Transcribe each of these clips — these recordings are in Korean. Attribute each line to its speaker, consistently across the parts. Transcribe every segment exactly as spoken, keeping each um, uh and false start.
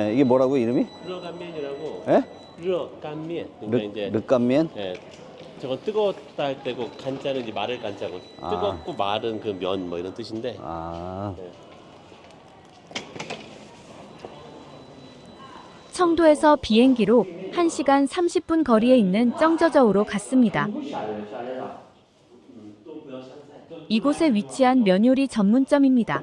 Speaker 1: 예, 이게 뭐라고 이름이?
Speaker 2: 르간면이라고.
Speaker 1: 예?
Speaker 2: 르간면. 그러니까
Speaker 1: 르,
Speaker 2: 이제
Speaker 1: 르깐면?
Speaker 2: 예. 저건 뜨거웠다 할 때고 간자는 이제 마를 간자고
Speaker 1: 아.
Speaker 2: 뜨겁고 마른 그 면 뭐 이런 뜻인데.
Speaker 1: 아.
Speaker 2: 예.
Speaker 3: 청도에서 비행기로 한 시간 삼십 분 거리에 있는 정저저우로 갔습니다. 이곳에 위치한 면요리 전문점입니다.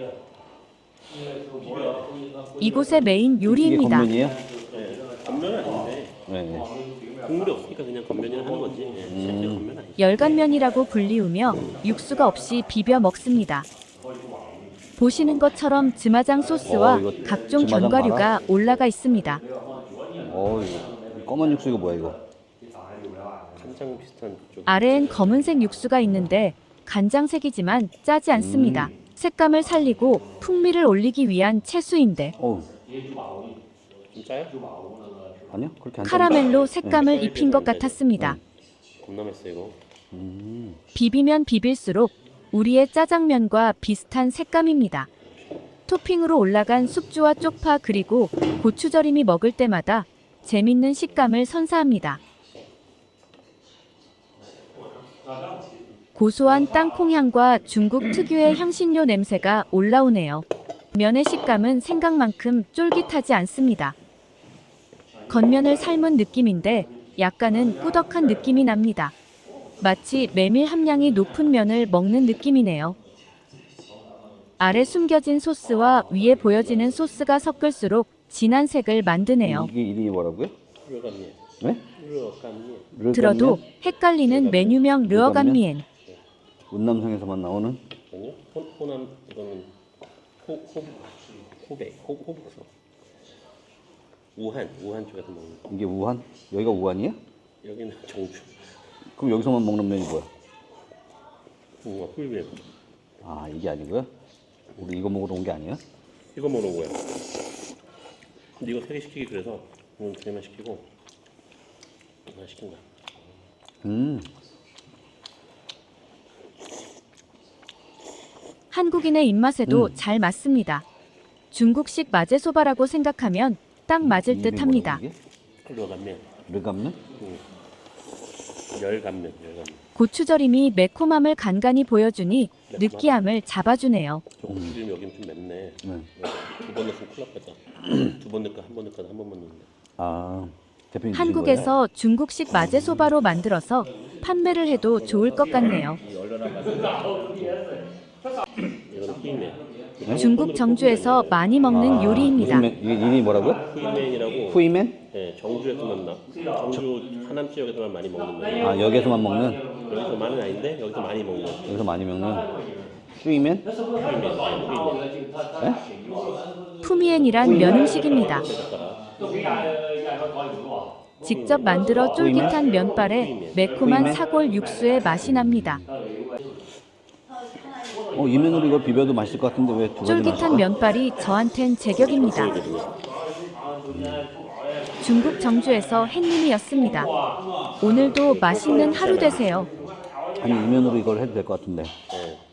Speaker 3: 이곳의 메인 요리입니다.
Speaker 1: 이게 건면이에요?
Speaker 2: 예. 건면은 아닌데.
Speaker 1: 네.
Speaker 2: 국물이 없으니까 그냥 건면이라 하는 거지. 예. 실제 건면 아니지.
Speaker 3: 열간면이라고 불리우며 육수가 없이 비벼 먹습니다. 보시는 것처럼 즈마장 소스와
Speaker 1: 어, 이거
Speaker 3: 각종
Speaker 1: 즈마장
Speaker 3: 견과류가
Speaker 1: 봐라.
Speaker 3: 올라가 있습니다.
Speaker 1: 어, 이거 검은 육수 이거 뭐야 이거?
Speaker 2: 간장 비슷한 쪽.
Speaker 3: 아래엔 검은색 육수가 있는데 간장색이지만 짜지 않습니다. 색감을 살리고 풍미를 올리기 위한 채수인데
Speaker 1: 어우,
Speaker 2: 진짜요?
Speaker 1: 아니요 그렇게 안
Speaker 3: 카라멜로 색감을 입힌 것 같았습니다.
Speaker 2: 겁나 맛있어 이거.
Speaker 1: 음.
Speaker 3: 비비면 비빌수록 우리의 짜장면과 비슷한 색감입니다. 토핑으로 올라간 숙주와 쪽파 그리고 고추절임이 먹을 때마다 재밌는 식감을 선사합니다. 고소한 땅콩 향과 중국 특유의 향신료 냄새가 올라오네요. 면의 식감은 생각만큼 쫄깃하지 않습니다. 겉면을 삶은 느낌인데 약간은 꾸덕한 느낌이 납니다. 마치 메밀 함량이 높은 면을 먹는 느낌이네요. 아래 숨겨진 소스와 위에 보여지는 소스가 섞을수록 진한 색을 만드네요.
Speaker 1: 이게 이름이 뭐라고요?
Speaker 2: 르간면.
Speaker 1: 네?
Speaker 2: 르간면.
Speaker 1: 르깐면?
Speaker 3: 들어도 헷갈리는 메뉴명 르어간미엔.
Speaker 1: 운남성에서만 나오는
Speaker 2: 아니요? 호, 호남 이거는 호, 호, 호배, 호, 호북서. 우한, 우한 쪽에서 먹는 거.
Speaker 1: 이게 우한? 여기가 우한이에요?
Speaker 2: 여기는 정주.
Speaker 1: 그럼 여기서만 먹는 면이 뭐야?
Speaker 2: 우와, 꿀면.
Speaker 1: 아 이게 아니고요? 우리 이거 먹으러 온 게 아니에요?
Speaker 2: 이거 먹는 거야. 근데 이거 세 개 시키기 그래서 오늘 두 개만 시키고 하나 시킨 거야.
Speaker 1: 음.
Speaker 3: 한국인의 입맛에도
Speaker 1: 음.
Speaker 3: 잘 맞습니다. 중국식 마제소바라고 생각하면 딱 맞을
Speaker 1: 이름이
Speaker 3: 듯 합니다.
Speaker 1: 뭐라고 이게?
Speaker 2: 르간면.
Speaker 1: 르깐면?
Speaker 2: 응. 열간면, 열간면.
Speaker 3: 고추절임이 매콤함을 간간히 보여주니 느끼함을 잡아주네요.
Speaker 2: 조금 지금 여긴 좀 맵네.
Speaker 1: 네.
Speaker 2: 두 번 넣으면 큰일 났다. 두 번 넣을까 한 번 넣을까 한 번만 넣는데.
Speaker 1: 아 대표님 주신 거예요?
Speaker 3: 한국에서 중국식 마제소바로 만들어서 판매를 해도 좋을 것 같네요.
Speaker 2: 이거는 후이맨.
Speaker 3: 중국 정주에서 많이 먹는
Speaker 1: 아,
Speaker 3: 요리입니다.
Speaker 1: 무슨 면- 이게 이름이 뭐라고요?
Speaker 2: 후이맨이라고.
Speaker 1: 후이맨?
Speaker 2: 네, 정주에서만 나. 정주 하남 지역에서만 많이 먹는 거.
Speaker 1: 아 여기에서만 먹는?
Speaker 2: 여기서만은 아닌데 여기서 많이 먹는.
Speaker 1: 여기서 많이 먹는 후이맨? 네?
Speaker 3: 푸미엔이란 면 음식입니다. 직접 만들어 쫄깃한 면발에 매콤한 사골 육수의 맛이 납니다.
Speaker 1: 어, 이 면으로 이거 비벼도 맛있을 것 같은데 왜 두 가지
Speaker 3: 쫄깃한
Speaker 1: 맛일까?
Speaker 3: 면발이 저한텐 제격입니다. 중국 정주에서 햇님이었습니다. 오늘도 맛있는 하루 되세요.
Speaker 1: 아니 이 면으로 이걸 해도 될 것 같은데
Speaker 2: 네.